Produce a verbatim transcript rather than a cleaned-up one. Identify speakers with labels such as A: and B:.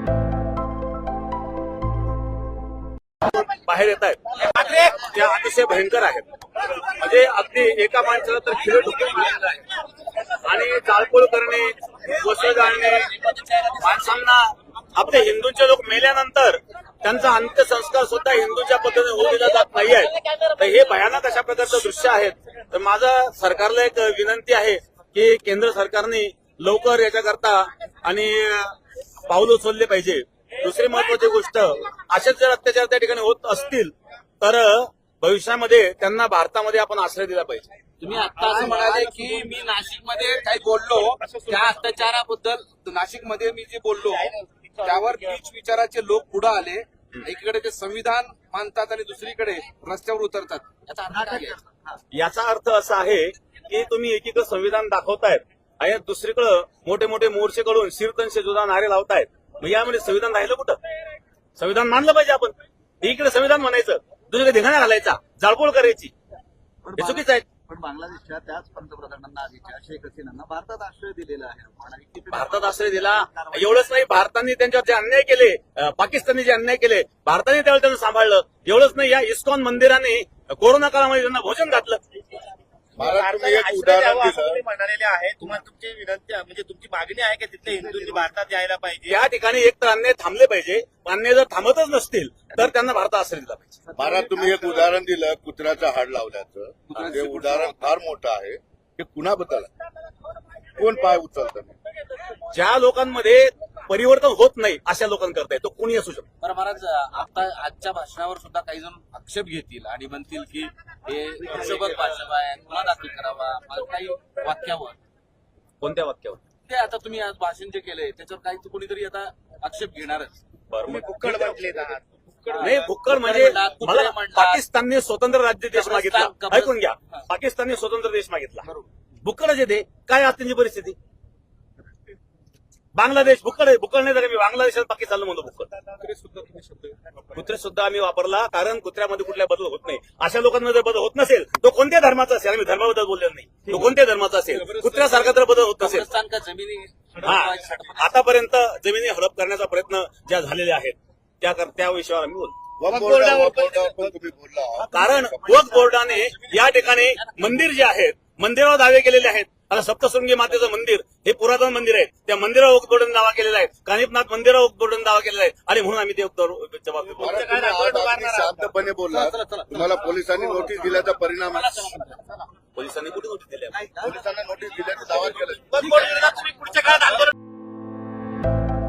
A: बाहेर येत आहेत त्या अतिशय भयंकर आहेत. म्हणजे अगदी एका माणसाला तर खिळे ठोकून मारलेलं आहे आणि जाळपोळ करणे, वस्त्र जाळणे, माणसांना आपले हिंदूंचे लोक मेल्यानंतर त्यांचा अंत्यसंस्कार सुद्धा हिंदूच्या पद्धतीने होऊ दिला जात नाहीये. तर हे भयानक अशा प्रकारचं दृश्य आहेत. तर माझं सरकारला एक विनंती आहे की केंद्र सरकारने लवकर याच्याकरता आणि पाऊल उचलले पाहिजे. दुसरी महत्वाची गोष्ट, असेच जर अत्याचार त्या ठिकाणी होत असतील तर भविष्यामध्ये त्यांना भारतामध्ये आपण आश्रय दिला पाहिजे.
B: तुम्ही आता असं म्हणाले की मी नाशिकमध्ये काही बोललो त्या अत्याचाराबद्दल, नाशिकमध्ये मी जे बोललो त्यावर नीच विचाराचे लोक पुढे आले. एकीकडे ते संविधान मानतात आणि दुसरीकडे रस्त्यावर उतरतात. याचा अर्थ काय आहे?
A: याचा अर्थ असा आहे की तुम्ही एकीकडे संविधान दाखवतायत आणि दुसरीकडे मोठे मोठे मोर्चे काढून शीर्तनशे जुदा नारे लावतायत. मग यामध्ये संविधान राहिलं कुठं? संविधान मानलं पाहिजे आपण. एकीकडे संविधान म्हणायचं, दुसरीकडे धिंगाणा घालायचा, जाळपोळ करायची, हे चुकीचं आहे.
C: पण बांगलादेशच्या त्याच पंतप्रधानांना आधीच्या शेख हसीनांना भारतात आश्रय दिलेला आहे.
A: भारतात आश्रय दिला एवढंच नाही, भारताने त्यांच्यावर जे अन्याय केले, पाकिस्तानने जे अन्याय केले, भारताने त्यावेळी त्यांना सांभाळलं. एवढंच नाही, या इस्कॉन मंदिराने कोरोना काळामध्ये त्यांना भोजन घातलं.
D: म्हणालेले आहे. तुम्हाला तुमची विनंती म्हणजे तुमची मागणी आहे की तिथले हिंदूंनी भारतात यायला पाहिजे.
A: या ठिकाणी एक तर अन्याय थांबले पाहिजे. अन्याय जर थांबतच नसतील तर त्यांना भारतात आश्रय दिला पाहिजे.
E: महाराज, तुम्ही एक उदाहरण दिलं कुत्र्याचं हाड लावल्याचं. ते उदाहरण फार मोठं आहे. ते कुणाबद्दल कोण पाय उचलतं?
A: ज्या लोकांमध्ये परिवर्तन होत नाही अशा लोकांकरता तो कोणी असू शकतो.
B: बरं महाराज, आता आजच्या भाषणावर सुद्धा काही जण आक्षेप घेतील आणि म्हणतील की हे हिशोबत भाषण आहे, गुन्हा दाखल करावा. काही वाक्यावर,
A: कोणत्या वाक्यावर?
B: ते आता तुम्ही आज भाषण जे केलंय त्याच्यावर काही कोणीतरी आता आक्षेप घेणारच.
A: बरोबर.
D: कुक्कड म्हटले
A: नाही, भुक्कड म्हणजे मला पाकिस्तानने स्वतंत्र राज्य देश मागितला. ऐकून घ्या, पाकिस्तानने स्वतंत्र देश मागितला. भुक्कडच येते. काय आज त्यांची परिस्थिती? बांगलादेश भुक्कड आहे. भुक्कड नाही तर मी बांगलादेशात पाकिस्तानला म्हणतो भुक्कड. कुत्रे सुद्धा आम्ही वापरला, कारण कुत्र्यामध्ये कुठल्या बदल होत नाही. अशा लोकांमध्ये बदल होत नसेल तो कोणत्या धर्माचा असेल, आम्ही धर्माबद्दल बोललेलो नाही, तो कोणत्या धर्माचा असेल, कुत्र्यासारखा जर बदल होत नसेल.
B: जमिनी
A: हा, आतापर्यंत जमिनी हडप करण्याचा प्रयत्न ज्या झालेले आहेत त्या त्या विषयावर आम्ही बोलतो. कारण वक्फ बोर्डाने या ठिकाणी मंदिर जे आहेत, मंदिरावर दावे केलेले आहेत. आता सप्तशृंगी मातेचं मंदिर हे पुरातन मंदिर आहे. त्या मंदिरावर वक्फ बोर्डाने दावा केलेला आहे. कानिपनाथ मंदिरावर वक्फ बोर्डाने दावा केलेला आहे आणि म्हणून आम्ही ते जबाब
E: शांतपणे बोलला. तुम्हाला पोलिसांनी नोटीस दिल्याचा परिणाम आहे.
A: पोलिसांनी कुठे नोटीस दिल्या?
E: पोलिसांना नोटीस दिल्याचा दावा केला.
D: पुढच्या काळात आंदोलन